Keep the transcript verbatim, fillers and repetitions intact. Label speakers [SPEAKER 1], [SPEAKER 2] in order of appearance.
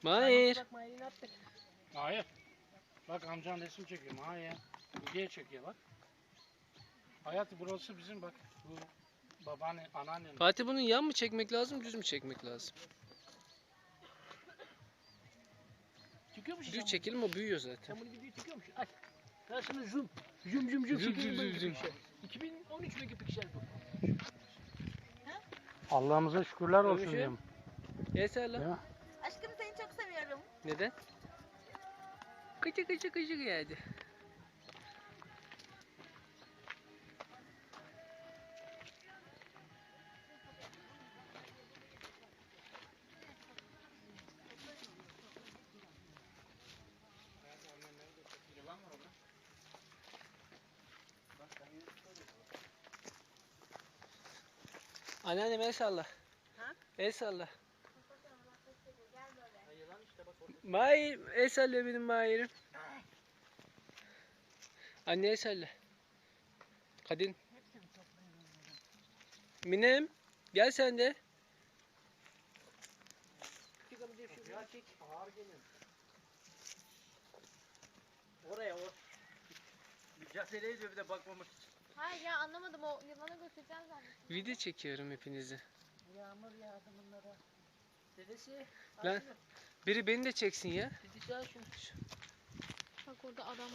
[SPEAKER 1] Mahir.
[SPEAKER 2] Bak Mahir'ini attık.
[SPEAKER 3] Hayır. Bak amcan resim çekiyor. Hayır. Video çekiyor bak. Hayati burası bizim bak. Bu babaanne, anneannenin.
[SPEAKER 1] Fatih bunun yan mı çekmek lazım, düz mü çekmek lazım?
[SPEAKER 2] Çekiyor musun
[SPEAKER 1] Düz
[SPEAKER 2] sen
[SPEAKER 1] çekelim, o büyüyor zaten.
[SPEAKER 2] Sen bunu video çekiyor musun? Aç. Ben sana zoom. Zoom zoom zoom.
[SPEAKER 1] Zoom,
[SPEAKER 2] sekiz
[SPEAKER 1] zoom, zoom,
[SPEAKER 2] megapiksel. iki bin on üç megapiksel bu.
[SPEAKER 3] Allah'ımıza şükürler olsun
[SPEAKER 1] Görüşürüz.
[SPEAKER 3] diyorum.
[SPEAKER 1] Yeter lan.
[SPEAKER 3] Ya.
[SPEAKER 4] Aşkım seni çok seviyorum.
[SPEAKER 1] Neden? Kıcı kıcı kıcı geldi. Anneannem el salla.
[SPEAKER 4] Ha?
[SPEAKER 1] El salla. Mahir el sallıyor benim Mahir'im. Anne el salla. Kadın. Minem gel sen de.
[SPEAKER 2] Çek abi de şunu çek. Ağır gelin. Oraya o. Mücadele ediyor bir de bakmamış.
[SPEAKER 4] Hayır ya anlamadım o yılanı göstereceğim zannettim.
[SPEAKER 1] Video çekiyorum hepinizi.
[SPEAKER 2] Yağmur yağdı bunlara. Dedesi.
[SPEAKER 1] Lan. Biri beni de çeksin ya.
[SPEAKER 2] Dedesi al şunu.
[SPEAKER 4] Bak orada adam